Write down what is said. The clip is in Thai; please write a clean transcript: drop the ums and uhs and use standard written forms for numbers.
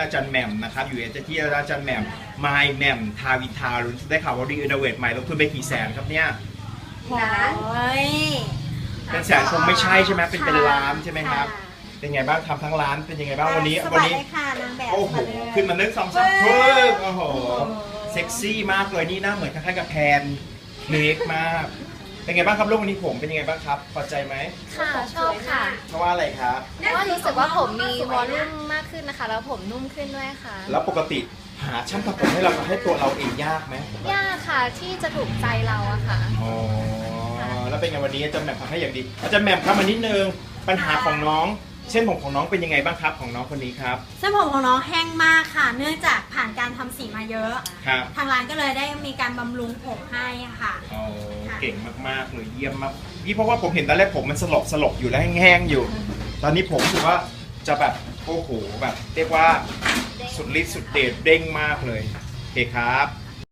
อาจารย์แหม่มนะครับอยู่ที่อาจารย์แหม่มมายแหม่มทาวินทารุนได้ข่าวว่ารีโนเวทใหม่ลงทุนไปกี่แสนครับเนี่ยล้านเป็นแสนคงไม่ใช่ใช่ไหมเป็นล้านใช่ไหมครับเป็นไงบ้างทำทั้งร้านเป็นยังไงบ้างวันนี้สบายเลยค่ะนางแบบโอ้โหขึ้นมา1 2 3โอ้โหเซ็กซี่มากเลยนี่หน้าเหมือนคล้ายๆกับแพนเล็กมากเป็นไงบ้างครับลูกวันนี้ผมเป็นยังไงบ้างครับพอใจไหมค่ะชอบค่ะเพราะว่าอะไรครับเพราะว่ารู้สึกว่าผมมีวอลลุ่มมากขึ้นนะคะ แล้วผมนุ่มขึ้นด้วยค่ะแล้วปกติหาช่างทำผมให้เราให้ตัวเราเองยากไหมยากค่ะที่จะถูกใจเราอะค่ะอ๋อแล้วเป็นไงวันนี้อาจารย์แหม่มทำให้อย่างดีอาจารย์แหม่มครับมานิดนึงปัญหาของน้องเส้นผมของน้องเป็นยังไงบ้างครับของน้องคนนี้ครับเส้นผมของน้องแห้งมากค่ะ เนื่องจากผ่านการทำสีมาเยอะครับทางร้านก็เลยได้มีการบำรุงผมให้ค่ะอ๋อเก่งมากๆเลยเยี่ยมมากนี่เพราะว่าผมเห็นตอนแรกผมมันสลบอยู่แล้วแห้งๆอยู่ ตอนนี้ผมรู้สึกว่าจะแบบโอ้โหแบบเรียกว่าสุดฤทธิ์สุดเดชเด้งมากเลยโอเคครับ